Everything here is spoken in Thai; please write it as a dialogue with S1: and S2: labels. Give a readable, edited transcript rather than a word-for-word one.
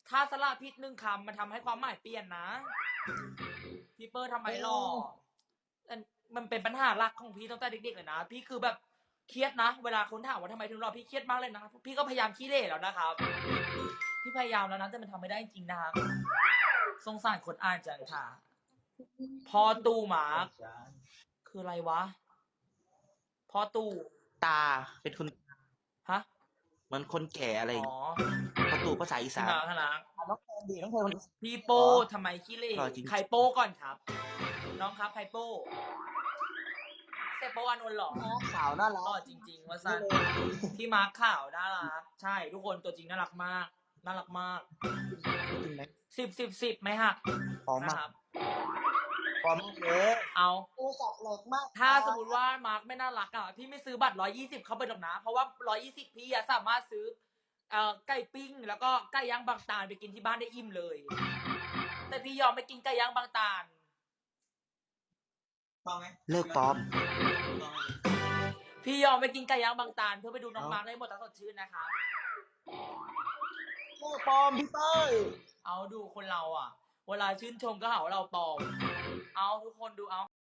S1: ถ้าสละผิดหนึ่งคำมันทำให้ความหมายเปลี่ยนนะพี่เปิ้ลทำไมหรอมันเป็นปัญหาหลักของพี่ตั้งแต่เด็กๆเลยนะพี่คือแบบเครียดนะเวลาคนถามว่าทำไมถึงหล่อพี่เครียดมากเลยนะพี่ก็พยายามขี้เหร่แล้วนะครับพี่พยายามแล้วนะแต่มันทำไม่ได้จริงนะครับสงสารคนอ่านจังค่ะพอตู้หมาคืออะไรวะพอตู้
S2: ตาเป็นคน
S1: ฮะ
S2: เหมือนคนแก่อะไรอ
S1: อ๋อ
S2: ย่างเงี้ยประตูภาษาอี
S1: พี่
S2: สาน
S1: มาขนาด
S2: น้องแพนดีน้องแพนคนอีสาน
S1: พี่
S2: เหรอ
S1: โป้ทำไมขี้เหร่
S2: หล่อจริง
S1: ใครโป้ก่อนครับน้องครับใครโป้เซโป้อานนท์เหรอ
S2: นะขาวน่ารั
S1: หล่อ
S2: ก
S1: จริงๆว่า
S2: นี่
S1: สั้น
S2: เลย
S1: พี่มาร์คข่าวน่ารักใช่ทุกคนตัวจริงน่ารักมากน่ารักมาก
S2: จริงไหม
S1: 10 10 10ไหมฮะ
S2: พร้อมมาก
S1: นะครับ
S2: พร้อมมากเลย
S1: เอา
S2: โทรศัพท์แหลกมาก
S1: ถ้าสมมติว่ามาร์คไม่น่ารักอ่ะพี่ไม่ซื้อบัตร120เข้าไปหรอกนะเพราะว่า120พี่สามารถซื้อไก่ปิ้งแล้วก็ไก่ย่างบางตาลไปกินที่บ้านได้อิ่มเลยแต่พี่ยอมไม่กินไก่ย่างบางตาล
S2: เลิกปลอม
S1: พี่ยอมไม่กินไก่ย่างบางตาลเพื่อไปดูน้องมาร์คได้หมดทั้งสดชื่นนะคะ
S2: เลิกปลอมพี่เต้ย
S1: เอาดูคนเราอ่ะเวลาชื่นชมก็หาว่าเราปลอมเอาทุกคนดูเอา